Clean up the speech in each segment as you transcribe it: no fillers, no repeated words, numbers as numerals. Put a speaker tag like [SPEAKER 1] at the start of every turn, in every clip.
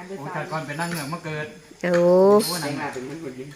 [SPEAKER 1] โอ้ชาติก่อนเป็นนั่งเหนือมาเกิด
[SPEAKER 2] โอ้
[SPEAKER 1] นั่งเหนือเป็นมันคนยิ่ง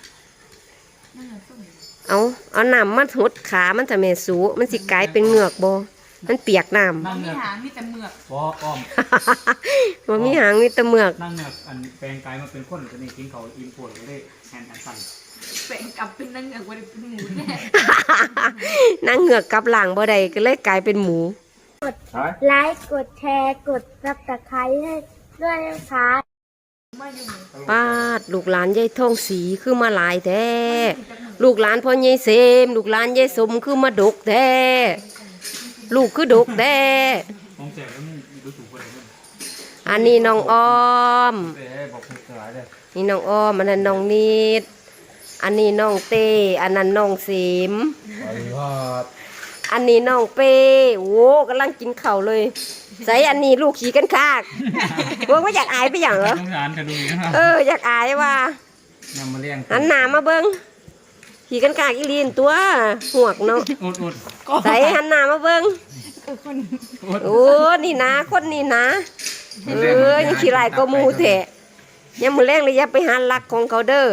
[SPEAKER 2] เอาน้ำมาหดขามันจะแม่สูมันสิกลายเป็นเหงือกบ่มันเปียกน้ำ
[SPEAKER 1] นั่งเหนือ
[SPEAKER 3] หางมีแต่เมือก
[SPEAKER 1] อ้อม
[SPEAKER 2] บ่มีหางมีแต่เหงือก
[SPEAKER 1] นั่งเหนืออันแปลงกายมาเป็นคนจะนี่กินเขาอิ่มปวดเลยแทนอันสั่น
[SPEAKER 3] แปลงกลับเป็นนั่งเหงือกว่าเป็นหมูแน่
[SPEAKER 2] นั่งเหงือกกับหลังบ่ได้ก็เลยกลายเป็นหมู
[SPEAKER 4] กดไลค์กดแชร์กดซับสไครต์ให้ด้วยนะคะ
[SPEAKER 2] ป้าดลูกหลานยายทองสีคือมาหลายแท้ลูกหลานพ่อยายเสมลูกหลานยายสมคือมาดกแท้ลูกคือดกแท้อันนี้น้องอ้อมนี่น้องอ้อมอันนั้นน้องนิดอันนี้น้องเต้อันนั้นน้องเสมอันนี้น้องเป้โอ้กำลังกินข้าวเลยใส่อันนี้ลูกขี่กันคากพวกไม่อยากอายไปอย่างเหรออยากอายว่าหันหน้ามาเบิ้งขี่กันคากอีลีนตัวหวกเนาะใส่หันหน้ามาเบิ้งโอ้นี่นะคนนี่นะยังขี่ไรก็มูแทะยังมือแรงเลยอย่าไปหันลักของเขาเด้อ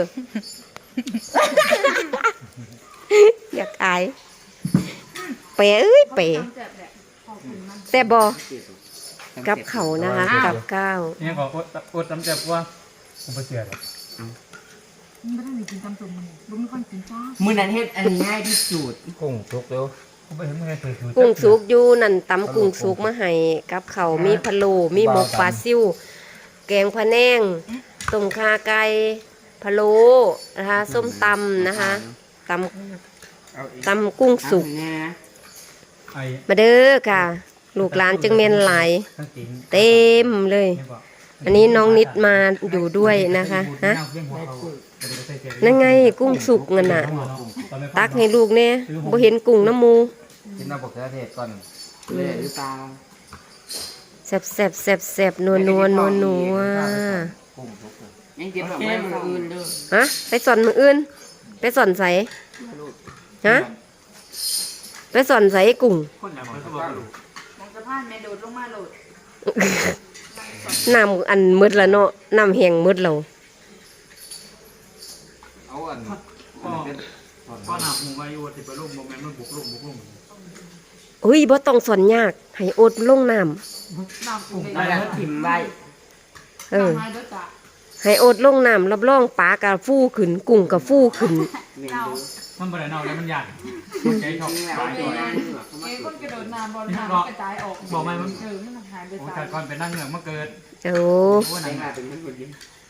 [SPEAKER 2] อยากอายเป๋เป๋แซ่บบ่กับเขานะคะกับข้าว
[SPEAKER 1] เนี่ยขออดตำแจ่บว่าผมไปเสียเลย
[SPEAKER 3] ไม่ต้องมีกินตำตุ่มบุ้มค่อยกินจ้า
[SPEAKER 5] มื้อนั้นเฮ็ดอันง่ายที่สุด
[SPEAKER 1] กุ้งสุกเร็วผมไปเห็นมึงไงเคยดู
[SPEAKER 2] กุ้งสุกอยู่นั่นตำกุ้งสุกมาให้กับเขามีพะโล้มีหมกปลาซิ่วแกงพะแนงต้มข่าไก่พะโล้นะคะส้มตำนะคะตำกุ้งสุกมาเด้อค่ะลูกหลานจึงเมนหลายเต็มเลยอันนี้น้องนิดมาอยู่ด้วยนะคะฮะนั่นไงกุ้งสุกเงินน่ะตักให้ลูกเนี่ยบ่เห็นกุ้งน้ำมู
[SPEAKER 5] กินน้ำบกเทศก่อนเลยหรือเปล่า
[SPEAKER 2] แซ่บแซ่บแซ่บแซ่บนัวนัวนัวนัว
[SPEAKER 5] ยังกินแบบไม่มืออื่นด้วย
[SPEAKER 2] ฮะไปสอนมืออื่นไปสอนใส่ฮะไปสอนใส่กุ้ง
[SPEAKER 3] สะพานแม่โดดลงมาโหลด
[SPEAKER 2] น้ำอันมืดละเนาะน้ำแห้งมืดเรา
[SPEAKER 1] เอาอันก็หนักหมูไว้อยู่ที่ไปลุ่มโมเมนต์มันบุกลุ่ม
[SPEAKER 2] เฮ้ยบ่ต้องสอนยากให้อดลงน้
[SPEAKER 5] ำแล้วถิ่มไว้
[SPEAKER 2] ให้อดลงน้ำรับรองปลากระฟูขึ้นกุ้งกระฟูขึ้น
[SPEAKER 1] มันบ่ได้เน่าแล้วมันใหญ่ใจชอบตายด้วย
[SPEAKER 3] คนกระโดดน้ำบอลน้ำกระจายออก
[SPEAKER 1] บอกไหมมัน
[SPEAKER 3] หายไป
[SPEAKER 1] โอ้ชาติก่อนเป็นนั่งเหนือมาเกิด
[SPEAKER 2] โอ้
[SPEAKER 1] นั่งเหนือเป็นมันคนยิ่ง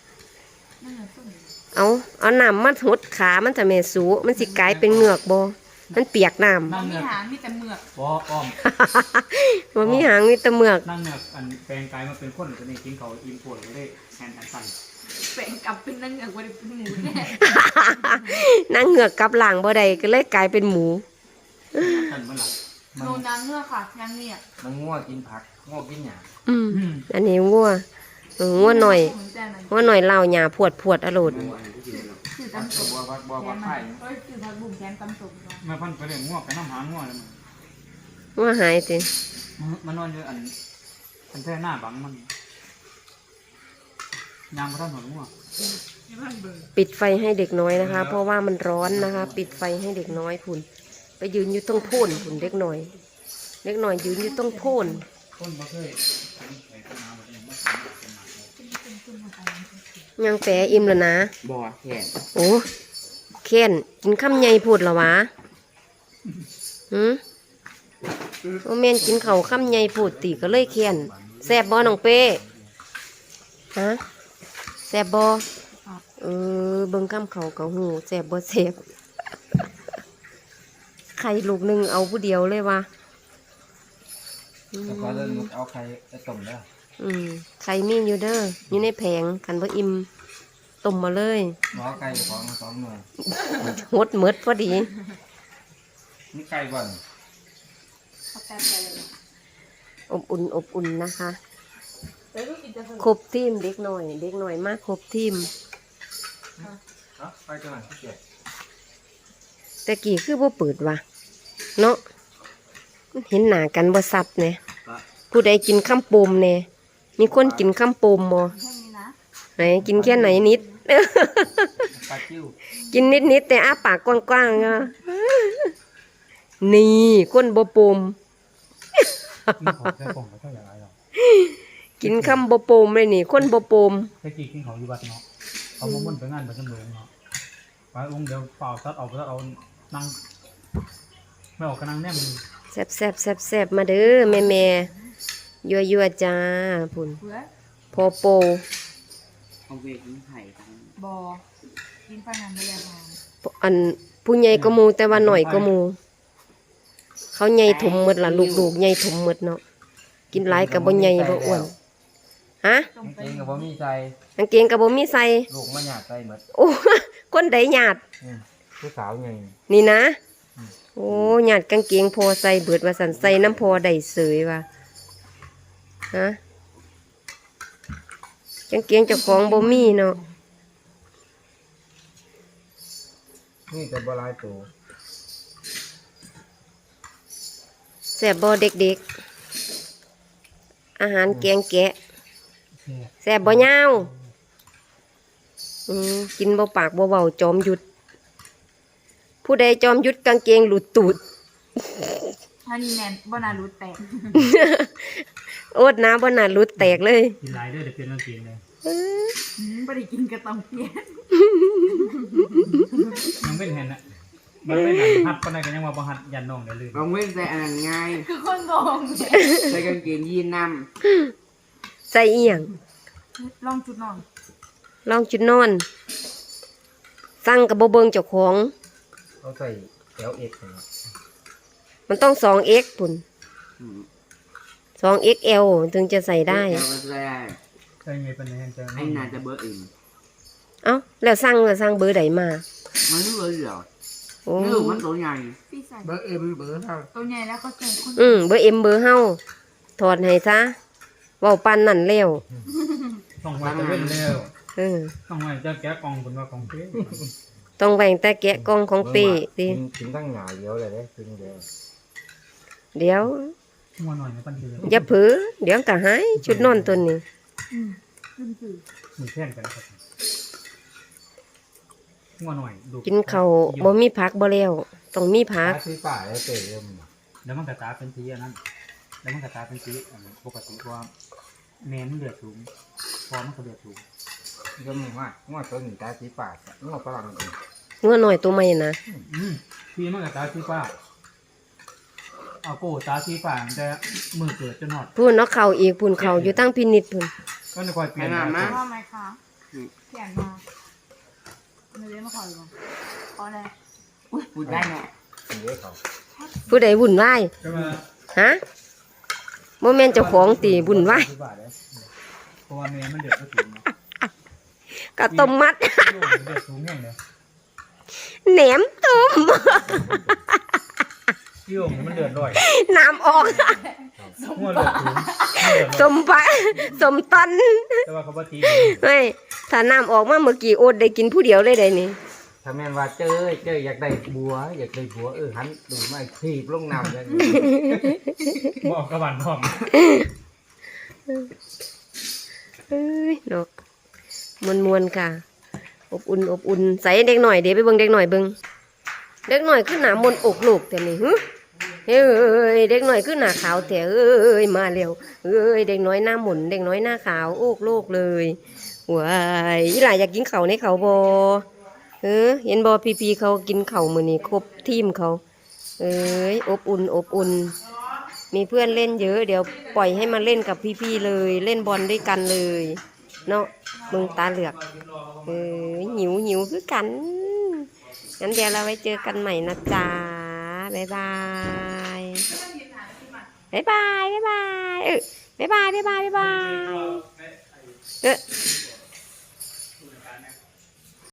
[SPEAKER 2] เอาน้ำมาหดขามันจะแม่สูมันสิกลายเป็นเหงือกบ่มันเปียกน้ำ
[SPEAKER 3] มีหางมีแต่เมือก
[SPEAKER 1] อ้อม
[SPEAKER 2] บ่มีหางมีแต่เมือก
[SPEAKER 1] นั่งเหนืออันแปลงกายมาเป็นคนจะนี่กินเขาอิ่มปวดเลยแทนอันสั่น
[SPEAKER 3] แปลงกลับเป็นนั่งเหงือกว่าเป็นหมูแน่
[SPEAKER 2] นั่งเหงือกกับหลังบ่ได้ก็เลยกลายเป็นหมู
[SPEAKER 3] โนนางเงือกค่ะนางเนี่ย
[SPEAKER 5] มันง่วกินผักง่วกินหยา
[SPEAKER 2] อันนี้งัวหน่อยเล่าหยาพวดอร่อย
[SPEAKER 3] คือตำตุ่มบัวไข่คือผักบุ้งแกงตำตุ่ม
[SPEAKER 1] มาพันไปเลยง่วงไปน้ำหางง่วงเลย
[SPEAKER 2] ว่าหายสิ
[SPEAKER 1] มันนอนอยู่อันแท่หน้าบังมันยางมาท่านหัวง่วง
[SPEAKER 2] ปิดไฟให้เด็กน้อยนะคะเพราะว่ามันร้อนนะคะปิดไฟให้เด็กน้อยผุนไปยืนอยู่ตรงโพนผุนเด็กน้อยยืนอยู่ตรงโพนยังแปะอิ่มแล้วนะ
[SPEAKER 5] บ่แค่
[SPEAKER 2] โอ้แค้นกินข้าวใหญ่พูดหรอวะโอเมนกินข้าวข้าวใหญ่พูดตีก็เลยแค้นแซ่บบ่น้องเป้ฮะแซ่บบ่เบิ่งข้ามเขากับหูแซ่บบ่แซ่บไข่ลูกหนึ่งเอาผู้เดียวเลยวะ
[SPEAKER 5] แล้วก็เริ่มเอาไข่ต้มแล้ว
[SPEAKER 2] ไข่มีอยู่เด้ออยู่ในแผงกันบ่อิ่มต้มมาเลย
[SPEAKER 5] หมอไก่ของ2 หน่วย
[SPEAKER 2] หดหมดพอดี
[SPEAKER 5] นี่ไก่บ่อน
[SPEAKER 2] อบอุ่นนะคะครบทีมเด็กหน่อยมากครบทีม
[SPEAKER 5] ไปจังหวัดที่7
[SPEAKER 2] แต่กี่คือบ่เปิดวะเนาะเห็นหน้ากันบ่ซัดเนี่ยผู้ใดกินข้ามโปมเนี่ยมีคนกินข้ามโปมบ่ไหนกินแค่ไหนนิด
[SPEAKER 1] ปลาจิ้ว
[SPEAKER 2] กินนิดแต่อ้าปากกว้างๆอ่ะนี่ก้นบ่ปม
[SPEAKER 1] กินของแค่กล่องก็เท่าไหร่หรอก
[SPEAKER 2] กินคำบ่ปมเลยนี่ก้นบ่ปม
[SPEAKER 1] แค่กินของอยู่วัดเนาะเอามามุ่นไปงานไปจำลองเนาะไปองค์เดียวเปล่าซัดเอานั่งไม่ออกกำลังแน่มึง
[SPEAKER 2] แซ่บมาเด้อแม่ยัวจ้าพุ่น
[SPEAKER 3] เพื่อ
[SPEAKER 2] พอโป
[SPEAKER 5] เอาเวกนี่ไข่ทั้ง
[SPEAKER 3] บอกินปลาหนังไปแล้วค่ะ
[SPEAKER 2] อันผู้ใหญ่ก็หมูแต่ว่าหน่อยก็หมูเขาใหญ่ถมหมดล่ะลูกๆใหญ่ถมหมดเนาะกินหลายก็บ่ใหญ่บ่อ้วนฮะ
[SPEAKER 3] ต้มไป
[SPEAKER 5] เองกับบ่มีใจ
[SPEAKER 2] กางเกงก็บ่มีใส่
[SPEAKER 5] ลูกมันหยาดใจหมด
[SPEAKER 2] โอ้ คนใดหยาด
[SPEAKER 5] ผู้สาวไง
[SPEAKER 2] นี่นะโอ้หยาดกางเกงพอใส่เบิดว่าสันใส่น้ำพอได้เสยว่ะฮะกางเกงเจ้าของบ่มีเนาะ
[SPEAKER 5] นี่แต่บ่หลายตัว
[SPEAKER 2] แซ่บบ่เด็กๆอาหารแกงแกะแซ่บบ่ยาวกินบ่ปากบ่เว้าจอมหยุด ผู้ใดจอมหยุดกางเกงหลุดตูด
[SPEAKER 3] ถ้านี่แนนบ่นารู้แตก
[SPEAKER 2] โอดน้ำบ่น่าหลุดแตกเลย
[SPEAKER 1] กินหลายเด้อเดี๋ยวเปลี่ยนกางเกงเลย
[SPEAKER 3] บ่ได้กินกระตองเพี้ยน
[SPEAKER 1] ยังเป็นเห็นนะมันเป็นหันหัดปานใดก็ยังว่าบ่หัดยันน้องได้เลย
[SPEAKER 5] ลองเว้นใส่อันนั้นง่าย
[SPEAKER 3] คือคนงง
[SPEAKER 5] ใส่กางเกงยีนน
[SPEAKER 2] ใส่อีหยัง
[SPEAKER 3] ลองจุดนอน
[SPEAKER 2] ลองจุดนอน สั่งกับบ่เบิงเจ้าของ
[SPEAKER 5] ำเขาใส่LX นะ
[SPEAKER 2] มันต้อง 2x ปุ่น 2XL ถึงจะใส่ได้
[SPEAKER 5] เอลก็ใส่ได้
[SPEAKER 1] ใช่ไงเป็นยังไง
[SPEAKER 5] ไอ้น่าจะเบอร์อื่น
[SPEAKER 2] เอ้าแล้วสั่งเบอร์ใดมา
[SPEAKER 5] มันไม่เบอร์เหรอ
[SPEAKER 2] โอ้
[SPEAKER 5] ลูกมันตัวใหญ่
[SPEAKER 3] พี่ใส่
[SPEAKER 5] เบอร์เอ็มเบอร์เท่า
[SPEAKER 3] ตัวใหญ่แล้วเขาใส่คน
[SPEAKER 2] เบอร์ M เบอร์เฮาถอดให้ซะเว้าปานนั่นแล้ว
[SPEAKER 1] ต้องไว้จะเว้นเร็ว
[SPEAKER 2] เออ
[SPEAKER 1] ต้องไว้จะแกะกล่องคนว่ากล่องเป๊ะ
[SPEAKER 2] ต้องแบ่งแต่แกะกล่องของเป้สิ
[SPEAKER 5] กินตั้งหงายเดียวเลยได้กินเดียว
[SPEAKER 2] เดี๋ยว
[SPEAKER 1] มัวหน่อยในปันเดือ
[SPEAKER 2] อย่าเผลอเดี๋ยวก็หายชุดนอนตัวนี้
[SPEAKER 3] ขึ้นสื่อ
[SPEAKER 1] มีแท่นกันครับมัวหน่อยดู
[SPEAKER 2] กินข้าวบ่มีผักบ่แล้วต้องมีผัก
[SPEAKER 5] ที่ป่าแล้วเตะเริ่ม
[SPEAKER 1] แล้วมันกระตาเป็นสีอันนั้นแล้วมันกระตาเป็นสีปกติว่าแม่มันเดือดสูงพอมันก็เดือดสูง
[SPEAKER 5] ก็มึงว่าง้อต้นหนีตาที่ป่าง้อฝรั่งอีก
[SPEAKER 2] งัวหน่อยตัวใหม่นะ
[SPEAKER 1] พี่มันกระตาสีฟ้าเอาโก้ตาสีฟ้าแต่มือเกิดจะนอด
[SPEAKER 2] พูนเนาะเข่าอีกพูนเข่าอยู่ตั้งพินิจพูน
[SPEAKER 1] ก็จะคอยเปลี่ยน
[SPEAKER 3] ว่าไหมคะเขียนมาเนื้อมาขออยู่ขออะไร
[SPEAKER 5] พูดได้เนาะเดี๋ยวเขา
[SPEAKER 2] ผู้ใดวุ่นวาย
[SPEAKER 1] ก็มา
[SPEAKER 2] ฮะโมเมนเจ้าของตีวุ่นวาย
[SPEAKER 1] เพราะว่าแม่มันเดือดก็สูง
[SPEAKER 2] กะต้มมัด
[SPEAKER 1] เดือดสูงแง่เลย
[SPEAKER 2] แหนมต้ม
[SPEAKER 1] พี่โอ่งมันเดือดร่อย
[SPEAKER 2] น้ำออก
[SPEAKER 1] งัวเดือดสูง
[SPEAKER 2] สมปะสมตัน
[SPEAKER 1] แต่ว่าเขาบ่ตี
[SPEAKER 2] เฮ้ยถ้าน้ำออกมาเมื่อกี้โอดได้กินผู้เดียวเลยได้นี่
[SPEAKER 5] ถ้าแม่นว่าเจออยากได้บัวอยากได้บัวหันดูไม่ทีบลงน้ำเลย
[SPEAKER 1] บอกกระบันพร้อม
[SPEAKER 2] เอ้ยเนาะมวนๆค่ะ อบอุ่นใส่เด็กหน่อยเดี๋ยวไปเบิ่งเด็กหน่อยเบิ่งเด็กหน่อยขึ้นหน้ามนต์อกลูกแต่นี่เฮ้ยเด็กหน่อยขึ้นหน้าขาวแต่เอ้ยมาเร็วเอ้ยเด็กน้อยหน้าหมุนเด็กน้อยหน้าขาวอกโลกเลยว้ายอีหลายอยากกินข้าวในเขาบ่เห็นบ่พี่ๆเขากินข้าวมื้อนี้ครบทีมเขาเอ้ยอบอุ่นมีเพื่อนเล่นเยอะเดี๋ยวปล่อยให้มาเล่นกับพี่ๆเลยเล่นบอลด้วยกันเลยเนาะมึงตาเหลือกหิวคือกันงั้นเดี๋ยวเราไว้เจอกันใหม่นะจ๊ะบ๊ายบายบ๊ายบายบ๊ายบายบ๊ายบาย